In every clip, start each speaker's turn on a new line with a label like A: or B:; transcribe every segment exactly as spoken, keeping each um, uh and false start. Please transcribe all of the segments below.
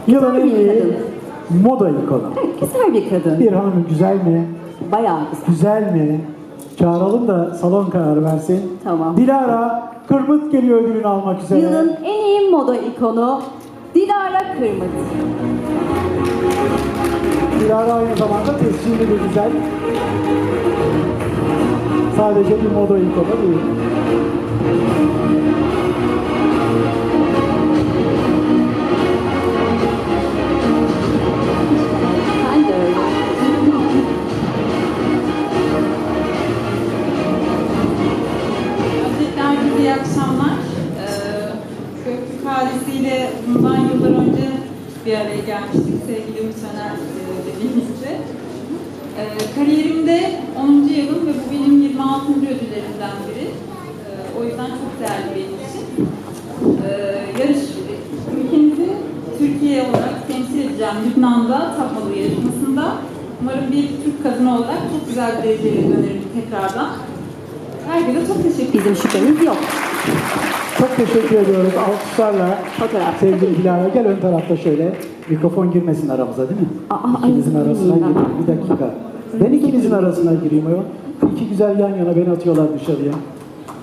A: Yılın en
B: bir
A: iyi
B: kadın.
A: moda ikonu.
B: Evet, güzel bir kadın.
A: Bir hanım güzel mi?
B: Bayağı güzel.
A: Güzel mi? Çağıralım da salon karar versin.
B: Tamam.
A: Dilara Kırmıt geliyor ödülünü almak üzere.
B: Yılın en iyi moda ikonu Dilara Kırmıt.
A: Dilara aynı zamanda tescilli de güzel. Sadece bir moda ikonu değil.
B: Ben de öyle.
C: Öncelikle herkese iyi akşamlar. Ee, Göktürk ailesiyle bundan yıllar önce bir araya gelmiştik sevgili misyoner e, dediğimizde. Ee, kariyerimde onuncu yılım ve bu benim yirmi altıncı ödüllerimden biri. Ee, o yüzden çok değerli benim için. Ee, yarış ülkemizi Türkiye olarak temsil edeceğim Lübnan'da Tapmalı yarışmasında. Umarım bir Türk kadını olarak çok güzel bir dereceyle dönerim tekrardan. Herkese çok teşekkür ederim.
B: Bizim şüphemiz yok.
A: Çok teşekkür ediyoruz. Alkışlarla
B: Fotoğraf.
A: sevgili Dilara gel ön tarafta şöyle. Mikrofon girmesin aramıza değil mi?
B: Aa,
A: İkinizin
B: ay,
A: arasına
B: gireyim ben.
A: gireyim. Bir dakika. Ben ikinizin arasına gireyim ayol. İki güzel yan yana beni atıyorlar dışarıya.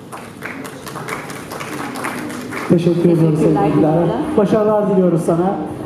A: Teşekkür ediyoruz
B: Teşekkürler
A: sevgili Dilara.
B: Dilara.
A: Başarılar diliyoruz sana.